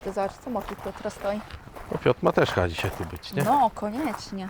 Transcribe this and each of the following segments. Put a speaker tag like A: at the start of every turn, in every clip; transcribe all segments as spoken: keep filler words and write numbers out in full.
A: Zobacz, co moki Piotra stoi.
B: No Piotr ma też chyba dzisiaj tu być, nie?
A: No, koniecznie.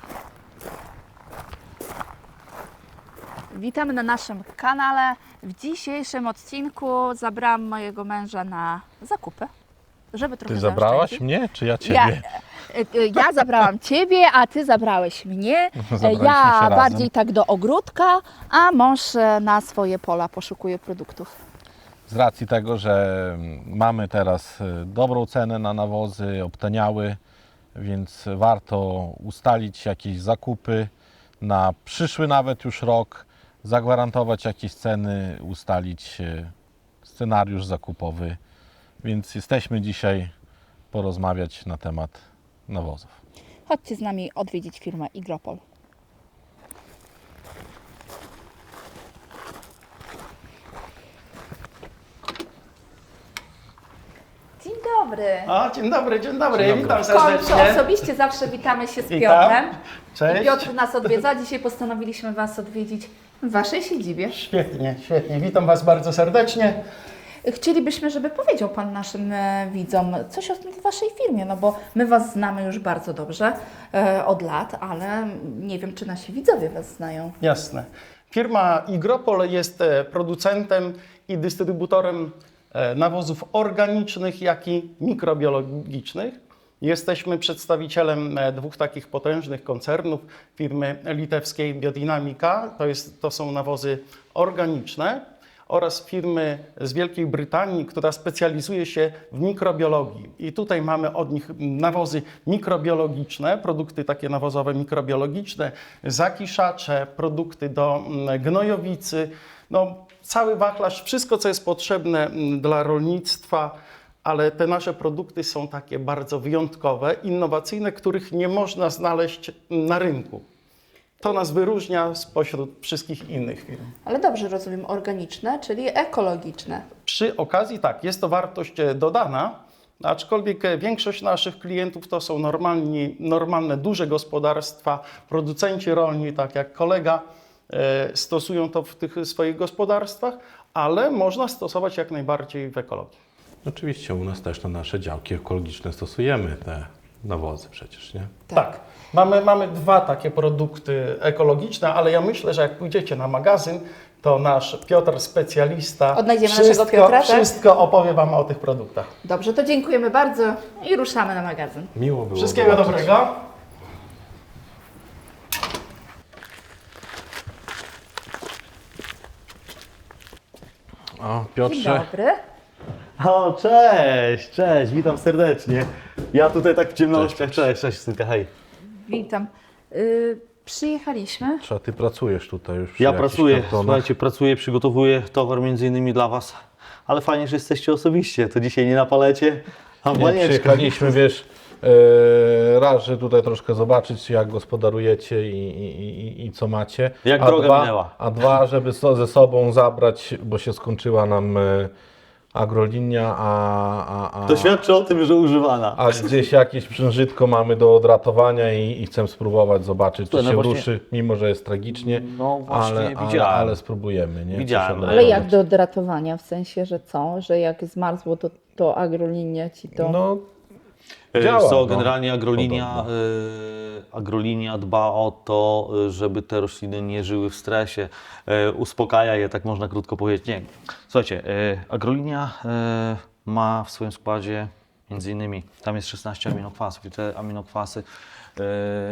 A: Witamy na naszym kanale. W dzisiejszym odcinku zabrałam mojego męża na zakupy, żeby trochę
B: Ty zabrałaś
A: zaoszczędzić.
B: mnie, czy ja
A: Ja,
B: ciebie?
A: e, e, ja zabrałam Ciebie, a Ty zabrałeś mnie. E,
B: Zabraliśmy
A: Ja
B: się razem.
A: bardziej tak do ogródka, a mąż e, na swoje pola poszukuje produktów.
B: Z racji tego, że mamy teraz y, dobrą cenę na nawozy, obtaniały, więc warto ustalić jakieś zakupy na przyszły nawet już rok, zagwarantować jakieś ceny, ustalić y, scenariusz zakupowy. Więc jesteśmy dzisiaj porozmawiać na temat nawozów.
A: Chodźcie z nami odwiedzić firmę Igropol. Dzień dobry.
C: O, dzień dobry, dzień dobry,
B: Dzień dobry.
C: witam
A: W końcu
C: serdecznie.
A: osobiście zawsze witamy się z
C: Witam.
A: Piotrem.
C: Cześć.
A: I Piotr nas odwiedza. Dzisiaj postanowiliśmy Was odwiedzić w Waszej siedzibie.
C: Świetnie, świetnie, witam Was bardzo serdecznie.
A: Chcielibyśmy, żeby powiedział Pan naszym e, widzom coś o tej Waszej firmie, no bo my Was znamy już bardzo dobrze e, od lat, ale nie wiem, czy nasi widzowie Was znają.
C: Jasne. Firma Igropol jest e, producentem i dystrybutorem e, nawozów organicznych, jak i mikrobiologicznych. Jesteśmy przedstawicielem e, dwóch takich potężnych koncernów, firmy litewskiej Biodynamika, to, jest, to są nawozy organiczne, oraz firmy z Wielkiej Brytanii, która specjalizuje się w mikrobiologii. I tutaj mamy od nich nawozy mikrobiologiczne, produkty takie nawozowe mikrobiologiczne, zakiszacze, produkty do mm, gnojowicy, no, cały wachlarz, wszystko co jest potrzebne mm, dla rolnictwa, ale te nasze produkty są takie bardzo wyjątkowe, innowacyjne, których nie można znaleźć na rynku. To nas wyróżnia spośród wszystkich innych firm.
A: Ale dobrze rozumiem, organiczne, czyli ekologiczne.
C: Przy okazji tak, jest to wartość e, dodana, aczkolwiek e, większość naszych klientów to są normalni, normalne, duże gospodarstwa, producenci rolni, tak jak kolega, e, stosują to w tych swoich gospodarstwach, ale można stosować jak najbardziej w ekologii.
B: Oczywiście u nas też na nasze działki ekologiczne stosujemy te nawozy przecież, nie?
C: Tak. Mamy, mamy dwa takie produkty ekologiczne, ale ja myślę, że jak pójdziecie na magazyn, to nasz Piotr, specjalista,
A: Odnajdziemy
C: wszystko,
A: naszego Piotra, tak?
C: wszystko opowie Wam o tych produktach.
A: Dobrze, to dziękujemy bardzo i ruszamy na magazyn.
B: Miło było
C: Wszystkiego
B: zobaczyć.
C: dobrego.
B: O,
A: Dzień
B: Piotrze,
A: dobry.
D: O, cześć, cześć, witam serdecznie. Ja tutaj tak w ciemnościach,
B: Cześć,
D: cześć, cześć, synka, hej.
A: Witam. Y, przyjechaliśmy.
B: Trzeba, ty pracujesz tutaj już przy
D: Ja
B: jakichś
D: pracuję,
B: kartonach.
D: słuchajcie, pracuję, przygotowuję towar między innymi dla Was, ale fajnie, że jesteście osobiście, to dzisiaj nie na palecie, a w
B: Nie,
D: banieczce.
B: przyjechaliśmy, wiesz, e, raz, że tutaj troszkę zobaczyć, jak gospodarujecie i, i, i, i co macie.
D: Jak
B: a
D: droga
B: dwa,
D: minęła.
B: A dwa, żeby so, ze sobą zabrać, bo się skończyła nam e, agrolinia, a, a, a,
D: To świadczy o tym, że używana.
B: a gdzieś jakieś przężytko mamy do odratowania i, i chcę spróbować, zobaczyć, czy
D: Słuchaj, no
B: się
D: właśnie-
B: ruszy, mimo że jest tragicznie,
D: No właśnie,
B: ale, ale,
D: widziałem.
B: ale spróbujemy. Nie?
D: Widziałem,
B: Coś
D: ale
A: Ale
B: odratować.
A: jak do odratowania? W sensie, że co? Że jak zmarzło, to, to agrolinia Ci to...
B: No,
D: E,
B: działa,
D: Co,
B: no.
D: generalnie agrolinia,
B: Podobno.
D: e, agrolinia dba o to, e, żeby te rośliny nie żyły w stresie, e, uspokaja je, tak można krótko powiedzieć. Nie. Słuchajcie, e, agrolinia e, ma w swoim składzie między innymi, tam jest szesnaście aminokwasów i te aminokwasy, e,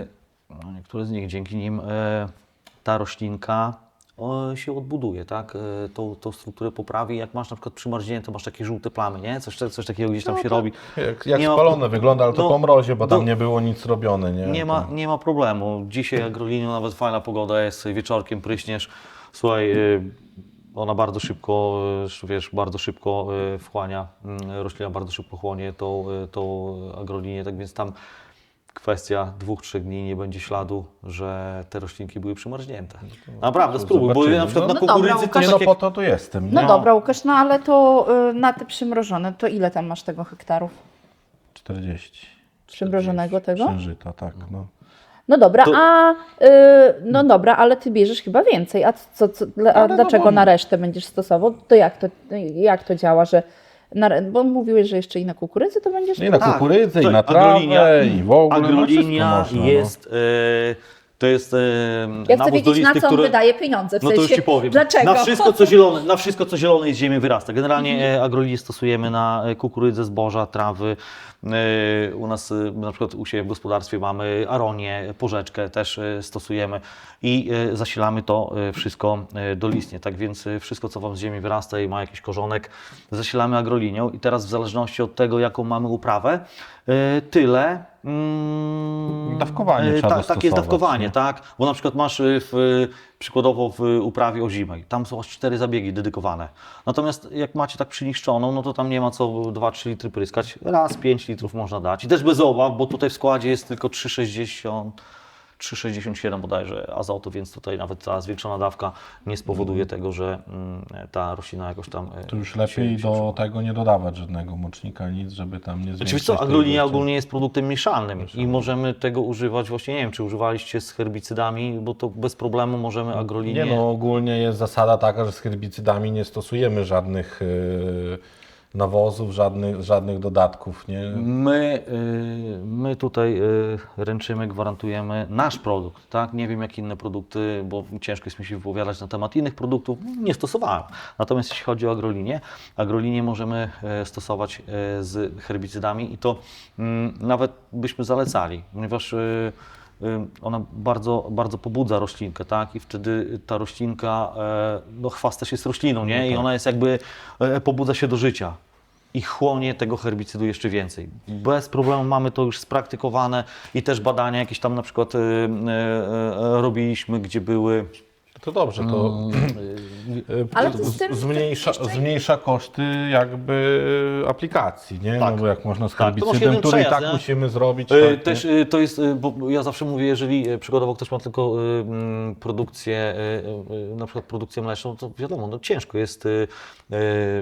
D: no niektóre z nich, dzięki nim e, ta roślinka o, się odbuduje, tak? E, Tą, tą strukturę poprawi. Jak masz na przykład przymarznięte, masz takie żółte plamy, nie? Coś, coś takiego gdzieś tam się robi.
B: jak, jak
D: Nie ma-
B: spalone wygląda, ale to
D: no,
B: po mrozie, bo tam
D: do-
B: nie było nic robione. Nie,
D: Nie ma, nie ma problemu. Dzisiaj agrolinią nawet fajna pogoda jest, wieczorkiem pryśniesz. Słuchaj, y, ona bardzo szybko, y, wiesz, bardzo szybko y, wchłania, y, roślina bardzo szybko chłonie tą, y, tą agrolinię, tak więc tam kwestia dwóch, trzech dni nie będzie śladu, że te roślinki były przymarznięte. Naprawdę, spróbuj, bo
B: zobaczymy.
D: na przykład
B: No,
D: na
A: no dobra,
D: kukurydzy to
A: Łukasz,
B: Nie,
D: takie...
B: no po to tu jestem.
A: No
B: Nie?
A: dobra, Łukasz, no ale to y, na te przymrożone, to ile tam masz tego hektarów?
B: czterdzieści.
A: Przymrożonego tego?
B: Księżyta, tak. No.
A: No dobra,
D: To-
A: a y, no dobra, ale Ty bierzesz chyba więcej. A, co, co, dla- a
B: Ale no
A: dlaczego
B: bo-
A: na resztę będziesz stosował? To jak to, jak to działa, że na, bo mówiłeś, że jeszcze i na kukurydzy to będziesz...
B: I na
D: Tak.
B: kukurydzę, i
D: To
B: na
D: agrolinia-
B: trawę, i w ogóle.
D: Agrolinia
B: no wszystko można,
D: jest, e, to jest e,
A: Ja chcę
D: nawóz
A: wiedzieć, na
D: dolisty,
A: co on
D: który...
A: wydaje pieniądze, w
D: No to już
A: sensie,
D: Ci powiem.
A: dlaczego?
D: Na wszystko, co zielone, na wszystko, co zielone z ziemi wyrasta. Generalnie e, agrolinię stosujemy na e, kukurydzę, zboża, trawy. E, U nas e, na przykład u siebie w gospodarstwie mamy aronię, porzeczkę też e, stosujemy i e, zasilamy to e, wszystko e, dolistnie. Tak więc e, wszystko, co Wam z ziemi wyrasta i ma jakiś korzonek, zasilamy agrolinią i teraz w zależności od tego, jaką mamy uprawę, e, tyle mm,
B: Dawkowanie
D: e,
B: trzeba
D: tak, tak jest
B: dostosować,
D: dawkowanie,
B: nie?
D: tak? Bo na przykład masz y, w, przykładowo w uprawie ozimej, tam są aż cztery zabiegi dedykowane. Natomiast jak macie tak przyniszczoną, no to tam nie ma co dwa trzy litry pryskać, raz pięć litrów można dać. I też bez obaw, bo tutaj w składzie jest tylko trzy sześćdziesiąt, trzy sześćdziesiąt siedem bodajże azotu, więc tutaj nawet ta zwiększona dawka nie spowoduje tego, że mm, ta roślina jakoś tam... y,
B: To już
D: się-
B: lepiej
D: się
B: do
D: przełamie.
B: tego nie dodawać żadnego mocznika, nic, żeby tam nie zwiększyć.
D: Oczywiście co,
B: tej
D: agrolinia
B: ilości.
D: ogólnie jest produktem mieszalnym i możemy tego używać właśnie, nie wiem, czy używaliście z herbicydami, bo to bez problemu możemy agrolinię...
B: Nie no, ogólnie jest zasada taka, że z herbicydami nie stosujemy żadnych yy, nawozów, żadnych, żadnych dodatków, nie?
D: My, y, my tutaj y, ręczymy, gwarantujemy nasz produkt, tak? Nie wiem jak inne produkty, bo ciężko jest mi się wypowiadać na temat innych produktów, nie stosowałem. Natomiast jeśli chodzi o agrolinię, agrolinię możemy y, stosować y, z herbicydami i to y, nawet byśmy zalecali, ponieważ y, y, ona bardzo, bardzo pobudza roślinkę, tak? I wtedy ta roślinka, e, no chwast też jest rośliną, nie? I ona jest jakby, e, pobudza się do życia i chłonie tego herbicydu jeszcze więcej. Bez problemu mamy to już spraktykowane i też badania jakieś tam na przykład e, e, e, robiliśmy, gdzie były...
B: To dobrze, to yy,
A: Ale to z tym-
B: zmniejsza,
A: jeszcze-
B: zmniejsza koszty jakby aplikacji, nie?
D: Tak.
B: No bo jak można z
D: Tak, to masz
B: herbicydem,
D: jeden
B: który i
D: przejazd,
B: tak
D: nie?
B: musimy zrobić.
D: E,
B: tak,
D: Też
B: nie?
D: e, to jest, e, bo ja zawsze mówię, jeżeli e, przykładowo ktoś ma tylko e, mm, produkcję, e, e, na przykład produkcję mleczną, to wiadomo, no ciężko jest e, e,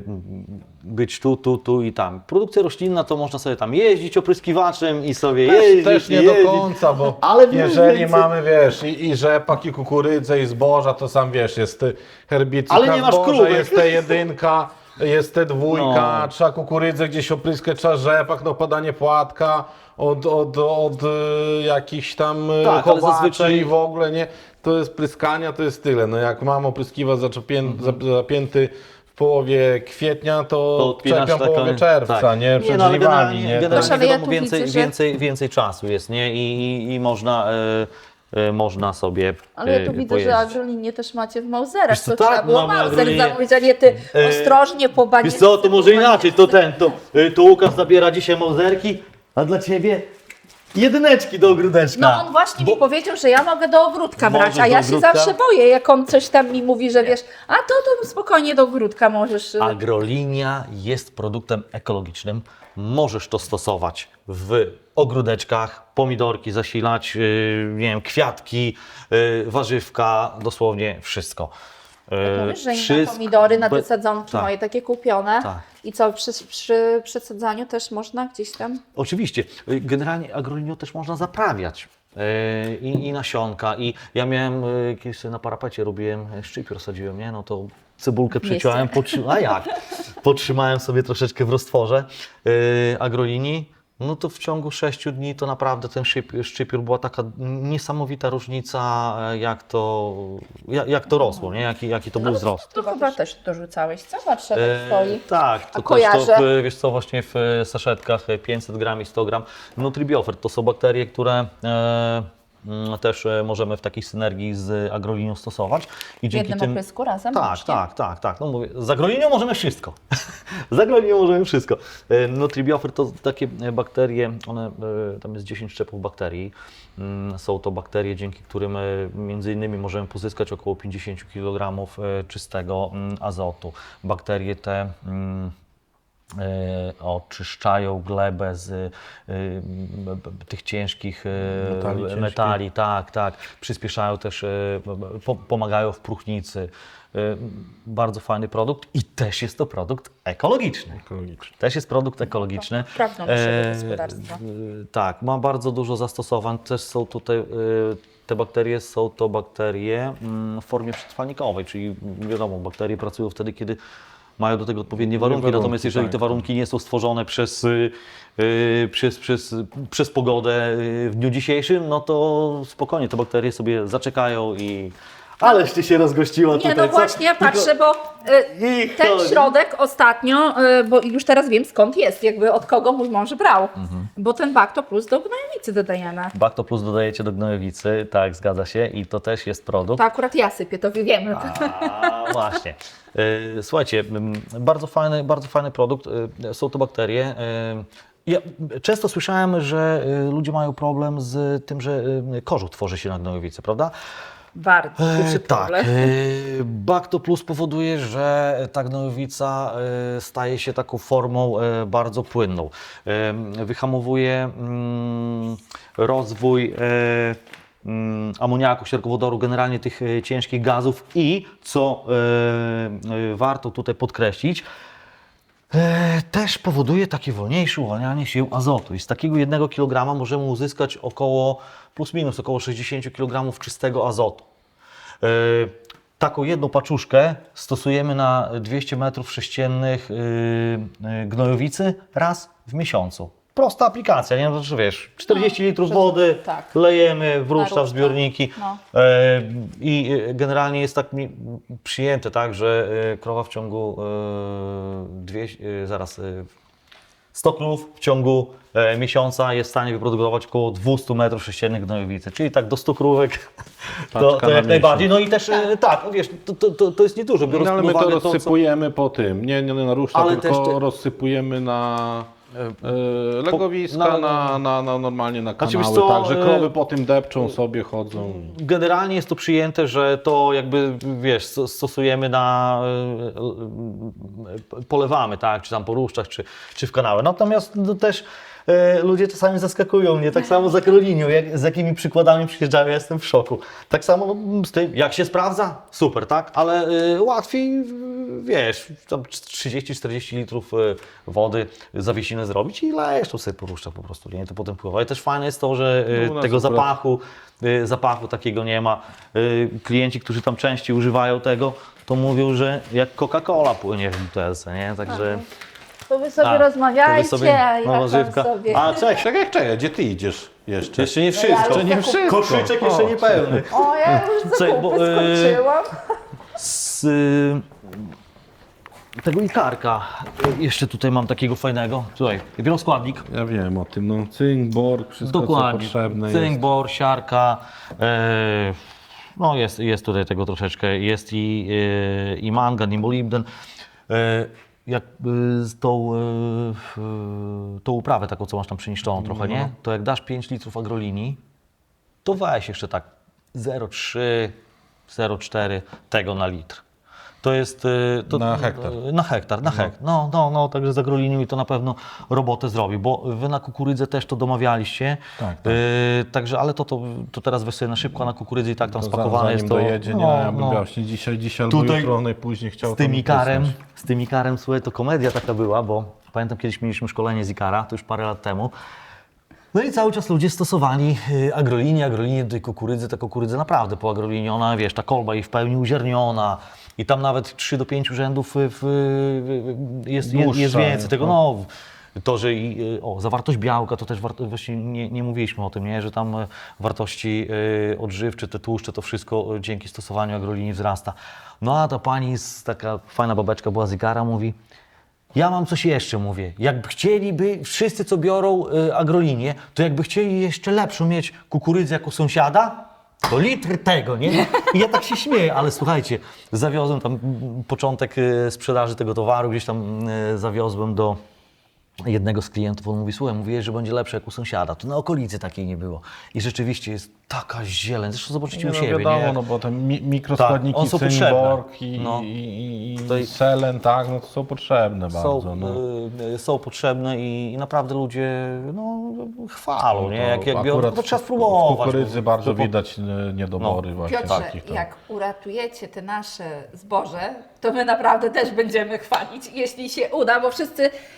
D: być tu, tu, tu i tam. Produkcja roślinna to można sobie tam jeździć opryskiwaczem i sobie
B: Też,
D: jeździć,
B: też nie
D: jeździć.
B: do końca, bo
D: Ale
B: jeżeli
D: więcej-
B: mamy, wiesz, i, i rzepak, i kukurydzę, i zboża, to sam wiesz, jest herbicyd
D: Ale
B: na
D: nie masz
B: zboże,
D: krówek.
B: jest T jeden, jest T dwa,
D: No.
B: trzeba kukurydzę gdzieś opryskać, trzeba rzepak, no podanie płatka od, od, od e, jakichś tam e,
D: Tak, ale
B: chowaczy
D: zazwyczaj-
B: i w ogóle, nie? To jest pryskania, to jest tyle. No jak mam opryskiwać zaczepię- za- zapięty w połowie kwietnia, to,
D: To odpinasz
B: czepiam w połowie
D: taką-
B: czerwca,
D: tak.
B: nie? Przed
D: no, ale
B: żniwami,
D: generalnie,
B: nie?
D: generalnie
A: Proszę, ale ja
D: wiadomo,
A: tu
D: więcej,
A: widzę, że-
D: więcej, więcej czasu jest, nie? I, i, i można, e, e, można sobie
A: Ale ja tu
D: e,
A: widzę,
D: pojeździć.
A: że agrolinię też macie w Mauzerach,
D: Wiesz co,
A: to
D: tak,
A: trzeba było
D: mamy
A: Mauzer
D: agrolinię.
A: zamówić, a nie ty
D: E,
A: ostrożnie po banieczce.
D: Wiesz co, to może
A: po
D: inaczej, to ten, to, y, to Łukasz zabiera dzisiaj mauzerki, a dla Ciebie jedyneczki do ogródeczka.
A: No on właśnie mi powiedział, że ja mogę do ogródka brać,
D: Możesz
A: a
D: do
A: ja się
D: ogródka?
A: zawsze boję, jak on coś tam mi mówi, że wiesz, a to, to spokojnie do ogródka możesz. y,
D: Agrolinia jest produktem ekologicznym. Możesz to stosować w ogródeczkach, pomidorki zasilać, yy, nie wiem, kwiatki, yy, warzywka, dosłownie wszystko. Yy,
A: Mówisz, że inne
D: wszystko-
A: pomidory na
D: be-
A: te sadzonki
D: tak.
A: moje takie kupione.
D: Tak.
A: I co, przy, przy przesadzaniu też można gdzieś tam?
D: Oczywiście. Generalnie agrolinią też można zaprawiać. Yy, I, I nasionka. I ja miałem yy, kiedyś sobie na parapecie robiłem yy, szczypior, sadziłem, nie? No to cebulkę przeciąłem, potrzy... a jak? Potrzymałem sobie troszeczkę w roztworze yy, agrolinii. No to w ciągu sześciu dni to naprawdę ten szyp- szczypiór była taka niesamowita różnica, e, jak to, jak, jak to rosło, nie? Jaki, jaki to był wzrost.
A: To chyba też dorzucałeś, co? Patrzę, tak
D: E,
A: stoi.
D: tak, to
A: A
D: też
A: kojarzę.
D: to, w, wiesz co, właśnie w e, saszetkach e, pięćset gram i sto gram. Nutribiofer to są bakterie, które e, mm, też e, możemy w takiej synergii z agrolinią stosować. I
A: W jednym oprysku razem?
D: Tak,
A: łącznie?
D: tak, tak, tak. No mówię, z agrolinią możemy wszystko. z agrolinią możemy wszystko. E, Nutribiofer to takie e, bakterie, one, e, tam jest dziesięć szczepów bakterii. Mm, Są to bakterie, dzięki którym e, między innymi możemy pozyskać około pięćdziesiąt kilogramów e, czystego mm, azotu. Bakterie te mm, e, oczyszczają glebę z e, b- b- tych ciężkich e,
B: Metali ciężkich.
D: metali, tak, tak. Przyspieszają też, e, po, pomagają w próchnicy. E, Bardzo fajny produkt i też jest to produkt ekologiczny.
B: Ekologicznie.
D: Też jest produkt ekologiczny.
A: Wprawną naszego gospodarstwa.
D: w- tak, ma bardzo dużo zastosowań. Też są tutaj, e, te bakterie są to bakterie mm, w formie przetrwalnikowej, czyli wiadomo, bakterie pracują wtedy, kiedy mają do tego odpowiednie warunki,
B: warunki,
D: natomiast jeżeli
B: tak,
D: te
B: tak.
D: warunki nie są stworzone przez, y, y, przez, przez, przez pogodę y, w dniu dzisiejszym, no to spokojnie te bakterie sobie zaczekają i... Aleście się rozgościła
A: Nie,
D: tutaj.
A: no
D: co?
A: właśnie, ja
D: Tylko-
A: patrzę, bo y,
D: I
A: ten
D: chodzi.
A: środek ostatnio, y, bo już teraz wiem skąd jest, jakby od kogo mój mąż brał,
D: Mhm.
A: bo ten Bacto Plus do gnojowicy dodajemy.
D: Bacto Plus dodajecie do gnojowicy, tak, zgadza się i to też jest produkt.
A: To akurat ja sypię, to wiemy.
D: A, właśnie. Y, Słuchajcie, mm, bardzo fajny, bardzo fajny produkt. Y, Są to bakterie. Y, Ja często słyszałem, że y, ludzie mają problem z tym, że y, kożuch tworzy się na gnojowicy, prawda?
A: Bardzo duży
D: E, tak.
A: problem.
D: e, Bacto Plus powoduje, że ta gnojowica e, staje się taką formą e, bardzo płynną. E, Wyhamowuje mm, rozwój e, mm, amoniaku, sierkowodoru, generalnie tych e, ciężkich gazów i, co e, e, warto tutaj podkreślić, E, też powoduje takie wolniejsze uwalnianie się azotu. I z takiego jednego kilograma możemy uzyskać około, plus minus, około sześćdziesiąt kilogramów czystego azotu. E, taką jedną paczuszkę stosujemy na dwieście metrów sześciennych e, e, gnojowicy raz w miesiącu. Prosta aplikacja, nie? No, to, wiesz, czterdzieści litrów
A: przez-
D: wody,
A: tak.
D: lejemy, wruszcza w
A: różne.
D: zbiorniki.
A: No.
D: E, I e, generalnie jest tak mi- przyjęte, tak, że e, krowa w ciągu e, dwie, e, zaraz e, sto krów w ciągu e, miesiąca jest w stanie wyprodukować około dwieście metrów sześciennych gnojowicy, czyli tak do stu krówek to,
B: Paczka
D: to
B: na
D: jak
B: miesiąc.
D: najbardziej. No i też e, tak, no wiesz, to, to, to, to jest niedużo, biorąc
B: No, ale
D: pod
B: my to
D: uwagę to, co...
B: rozsypujemy po tym, nie, nie na ruszta,
D: Ale
B: tylko
D: też te-
B: rozsypujemy na e, legowiska,
D: na-
B: na, na, na normalnie na
D: Znaczy,
B: kanały,
D: wiesz co,
B: tak, że
D: e,
B: krowy po tym depczą sobie, chodzą.
D: Generalnie jest to przyjęte, że to jakby, wiesz, sto- stosujemy na, e, e, polewamy, tak, czy tam po ruszczach, czy, czy w kanały. Natomiast no, też e, ludzie czasami zaskakują mnie, tak samo za Karolinią, jak, z jakimi przykładami przyjeżdżają, ja jestem w szoku. Tak samo no, z tym, jak się sprawdza, super, tak, ale e, łatwiej, w- wiesz, tam trzydzieści czterdzieści litrów e, wody zawiesinę zrobić i lejesz to sobie po ruszczach po prostu, nie, to potem pływa. I też fajne jest to, że e,
B: No, u nas
D: tego
B: akurat-
D: zapachu y, zapachu takiego nie ma. Y, Klienci, którzy tam częściej używają tego, to mówią, że jak Coca-Cola płynie w butelce, nie? Także...
A: To wy sobie
D: A,
A: rozmawiajcie,
D: to wy sobie-
A: a ja
D: no,
A: tam
D: warzywka.
A: sobie...
D: A, czekaj,
B: Czekaj, czekaj, gdzie ty idziesz jeszcze?
D: jeszcze nie
A: ja
D: wszystko.
A: już nie
B: wszystko.
D: Koszyczek jeszcze
B: O.
D: nie pełny.
A: O, ja już
D: Słuchaj,
A: zakupy
D: bo, e,
A: skończyłam.
D: Z y, tego ikarka jeszcze tutaj mam takiego fajnego. Tutaj, wieloskładnik.
B: Ja wiem o tym, no cynk, bor, wszystko
D: Dokładnie.
B: co potrzebne
D: Cynk,
B: jest.
D: bor, siarka. E, no jest, jest tutaj tego troszeczkę. Jest i, e, i mangan, i molibden. E, jak e, z tą, e, e, tą uprawę taką, co masz tam przyniszczoną trochę, nie? To jak dasz pięć litrów agrolinii, to weź jeszcze tak zero przecinek trzy, zero przecinek cztery tego na litr. To jest... e, To,
B: Na hektar.
D: Na hektar, na hektar. No, no, no, także z agrolinią i to na pewno robotę zrobi, bo wy na kukurydzę też to domawialiście.
B: Tak, tak.
D: E, także, ale to, to, to teraz weź sobie na szybko, a na kukurydzy i tak tam
B: To
D: spakowane
B: zanim
D: jest to...
B: dojedzie, nie,
D: no,
B: ja bym
D: no.
B: właśnie dzisiaj, dzisiaj albo
D: Tutaj
B: jutro, najpóźniej chciał
D: Z tym
B: to
D: ikarem,
B: wysłać.
D: z tym ikarem, słuchaj, to komedia taka była, bo pamiętam kiedyś mieliśmy szkolenie z ikara, to już parę lat temu. No i cały czas ludzie stosowali y, agrolinię, agrolinię do tej kukurydzy, ta kukurydza naprawdę po agrolinie, ona, wiesz, ta kolba i w pełni uziarniona i tam nawet trzy do pięciu rzędów y, w, y, jest, jest, jest
B: Dłuższa,
D: więcej tego, no. To, że i, y, o, zawartość białka, to też warto, właśnie nie, nie mówiliśmy o tym, nie? Że tam y, wartości y, odżywcze, te tłuszcze, to wszystko y, dzięki stosowaniu agrolinii wzrasta. No a ta pani, z, taka fajna babeczka była z Igara, mówi: ja mam coś jeszcze, mówię. Jakby chcieliby, wszyscy co biorą y, agrolinię, to jakby chcieli jeszcze lepszą mieć kukurydzę jako sąsiada, to litr tego, nie? I ja tak się śmieję, ale słuchajcie, zawiozłem tam mm, początek y, sprzedaży tego towaru, gdzieś tam y, zawiozłem do jednego z klientów, on mówi: słuchaj, mówiłeś, że będzie lepsze jak u sąsiada, to na okolicy takiej nie było. I rzeczywiście jest taka zieleń, zresztą zobaczycie
B: Nie,
D: u
B: no
D: siebie,
B: wiadomo,
D: nie?
B: no bo te mi mikroskładniki,
D: Tak, one są
B: cynk,
D: potrzebne.
B: borg i,
D: No.
B: i, i, i
D: Tutaj-
B: selen, tak, no to są potrzebne
D: są,
B: bardzo. No.
D: y, są potrzebne i, i naprawdę ludzie no, chwalą, nie? Jak, jak biorą,
B: akurat
D: to trzeba
B: w
D: spróbować.
B: kukurydzy
D: bo-
B: bardzo
D: bo-
B: widać e, niedobory właśnie
A: Piotrze,
B: takich. to-
A: jak uratujecie te nasze zboże, to my naprawdę też będziemy chwalić, jeśli się uda, bo wszyscy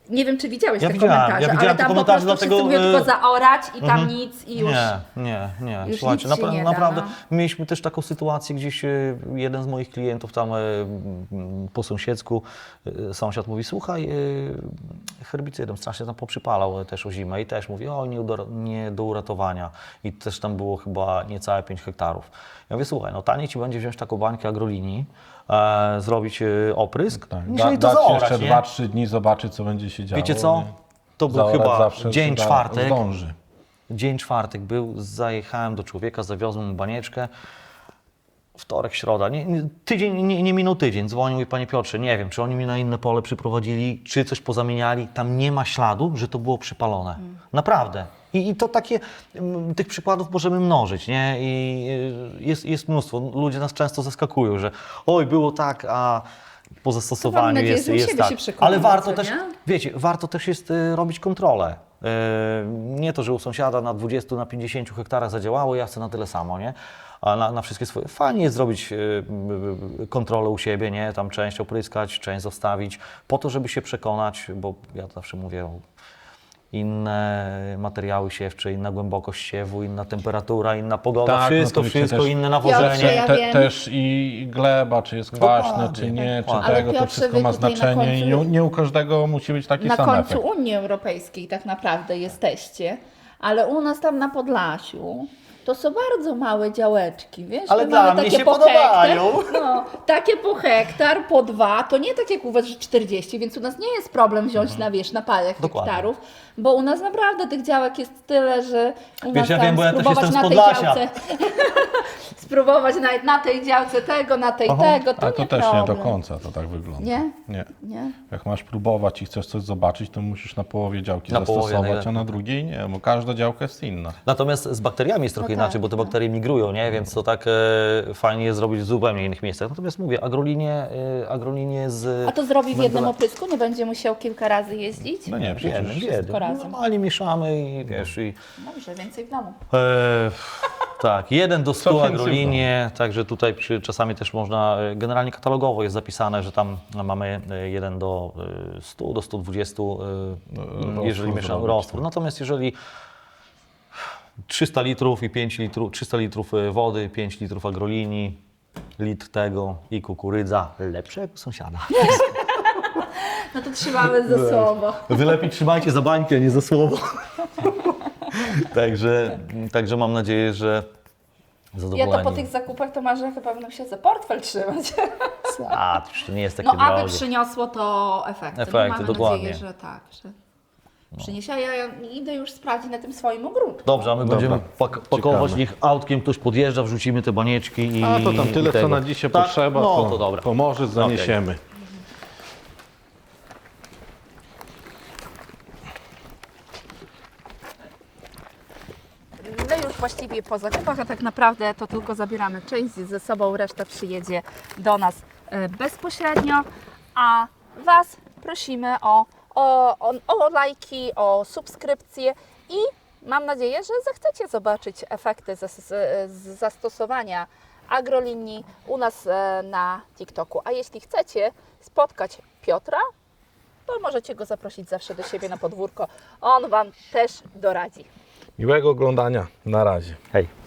A: Nie wiem, czy widziałeś
D: Ja
A: te
D: widziałem,
A: komentarze,
D: ja
A: ale
D: widziałem te
A: tam po
D: komentarze,
A: prostu
D: dlatego,
A: wszyscy mówią tylko
D: e,
A: zaorać i tam
D: Mhm.
A: nic i już.
D: Nie, nie, nie.
A: już
D: Słuchajcie,
A: nic się
D: napra-
A: nie da,
D: naprawdę
A: no.
D: mieliśmy też taką sytuację, gdzieś e, jeden z moich klientów tam e, m, po sąsiedzku, e, sąsiad mówi, słuchaj, e, herbicydem strasznie tam poprzypalał e, też o zimę i też mówi, o nie, do, nie do uratowania i też tam było chyba niecałe pięć hektarów. Ja mówię, słuchaj, no taniej Ci będzie wziąć taką bańkę agrolinii, e, zrobić e, oprysk,
B: Tak,
D: niżeli
B: da,
D: to
B: dać
D: zaorać,
B: jeszcze
D: nie?
B: dwa trzy dni, zobaczyć co będzie się działo.
D: Wiecie co?
B: nie?
D: To był
B: Zaorać
D: chyba
B: zawsze
D: dzień
B: się da-
D: czwartek.
B: Zdąży.
D: Dzień czwartek był, zajechałem do człowieka, zawiozłem mu banieczkę. Wtorek, środa, nie, nie, tydzień, nie, nie minął tydzień, dzwonił i panie Piotrze, nie wiem, czy oni mi na inne pole przyprowadzili, czy coś pozamieniali, tam nie ma śladu, że to było przypalone. Naprawdę. I, I to takie, m, tych przykładów możemy mnożyć, nie? I y, jest, jest mnóstwo. Ludzie nas często zaskakują, że oj, było tak, a po zastosowaniu
A: nadzieję,
D: jest,
A: że u
D: jest
A: siebie
D: tak.
A: się przekonacie,
D: Ale warto
A: co
D: też,
A: nie?
D: wiecie, warto też jest y, robić kontrolę. Y, nie to, że u sąsiada na dwudziestu, na pięćdziesięciu hektarach zadziałało, ja chcę na tyle samo, nie? A na, na wszystkie swoje. Fajnie jest zrobić y, y, y, kontrolę u siebie, nie? Tam część opryskać, część zostawić, po to, żeby się przekonać, bo ja zawsze mówię o inne materiały siewcze, inna głębokość siewu, inna temperatura, inna pogoda,
B: Tak, no
D: wszystko,
B: to wiecie,
D: wszystko,
B: też-
D: inne
A: Piotrze,
D: nawożenie.
A: ja
B: Te,
A: wiem.
B: też i gleba, czy jest kwaśne,
D: Dokładnie,
B: czy nie, czy
D: dokładnie.
A: Ale
B: tego, to
A: Piotrze,
B: wszystko
A: wy
B: ma
A: tutaj na
B: znaczenie i
A: końcu-
B: nie, nie u każdego musi być taki
A: Na
B: sam
A: końcu
B: efekt.
A: Unii Europejskiej tak naprawdę jesteście, ale u nas tam na Podlasiu to są bardzo małe działeczki, wiesz?
D: Ale
A: My
D: dla
A: mamy
D: mnie
A: takie
D: się
A: po
D: podobają.
A: Hektar, no, takie po hektar, po dwa, to nie tak jak u Was, że czterdzieści, więc u nas nie jest problem wziąć na, wiesz, na parę
D: Dokładnie.
A: hektarów, bo u nas naprawdę tych działek jest tyle, że u
D: Wiesz,
A: nas
D: ja
A: tam
D: wiem, bo ja też
A: spróbować
D: jestem z
A: na tej
D: Podlasia.
A: działce, spróbować na, na tej działce tego, na tej
D: Aha.
A: tego, to
B: Ale to
A: nie
B: też
A: problem.
B: nie do końca to tak wygląda.
A: Nie?
B: Nie.
A: Nie?
B: Jak masz próbować i chcesz coś zobaczyć, to musisz na połowie działki
D: Na połowie
B: zastosować,
D: najlepiej.
B: a na drugiej nie, bo każda działka jest inna.
D: Natomiast z bakteriami jest trochę
A: No
D: inaczej,
A: tak,
D: bo te
A: no.
D: bakterie migrują, nie? Więc to tak e, fajnie jest zrobić w zupełnie innych miejscach. Natomiast mówię, agrolinie, e, agrolinie z...
A: A to zrobi w jednym
D: węgla-
A: oprysku? Nie będzie musiał kilka razy jeździć?
B: No nie,
D: Jednym,
B: przecież
D: jednym.
A: razem.
D: Normalnie mieszamy i wiesz, i...
A: Dobrze, więcej w domu.
D: E, tak, jeden do stu
B: więcej
D: agrolinie, także tutaj przy, czasami też można, e, generalnie katalogowo jest zapisane, że tam mamy e, jeden do e, stu, do stu dwudziestu, e,
B: roztwór
D: jeżeli mieszamy
B: zrobić,
D: roztwór.
B: tak.
D: Natomiast jeżeli trzysta litrów i pięć litrów, trzysta litrów e, wody, pięć litrów agrolinii, litr tego i kukurydza, lepszego sąsiada.
A: No to trzymamy ze sobą.
D: Wy lepiej trzymajcie za bańkę, nie za słowo. także, także mam nadzieję, że
A: Ja
D: zadowoleni.
A: to po tych zakupach to marzę chyba będę się za portfel trzymać.
D: A, to już to nie jest takie
A: No aby
D: drogie.
A: przyniosło to efekty.
D: Efekty,
A: no, mamy
D: dokładnie.
A: nadzieję, że tak, że przyniesie. A ja, ja idę już sprawdzić na tym swoim ogródku.
D: Dobrze, a my
B: Dobra.
D: będziemy pak pakować,
B: Ciekawe.
D: niech autkiem ktoś podjeżdża, wrzucimy te banieczki i
B: A to tam
D: i
B: tyle, co
D: tego.
B: na dzisiaj
D: Tak?
B: potrzeba,
D: No
B: to,
D: to dobra.
B: to może zaniesiemy.
A: My już właściwie po zakupach, a tak naprawdę to tylko zabieramy część ze sobą, reszta przyjedzie do nas e, bezpośrednio, a Was prosimy o, o, o, o lajki, o subskrypcje i mam nadzieję, że zechcecie zobaczyć efekty z, z, z zastosowania agrolinii u nas e, na TikToku. A jeśli chcecie spotkać Piotra, to możecie go zaprosić zawsze do siebie na podwórko. On Wam też doradzi.
B: Miłego oglądania. Na razie.
D: Hej.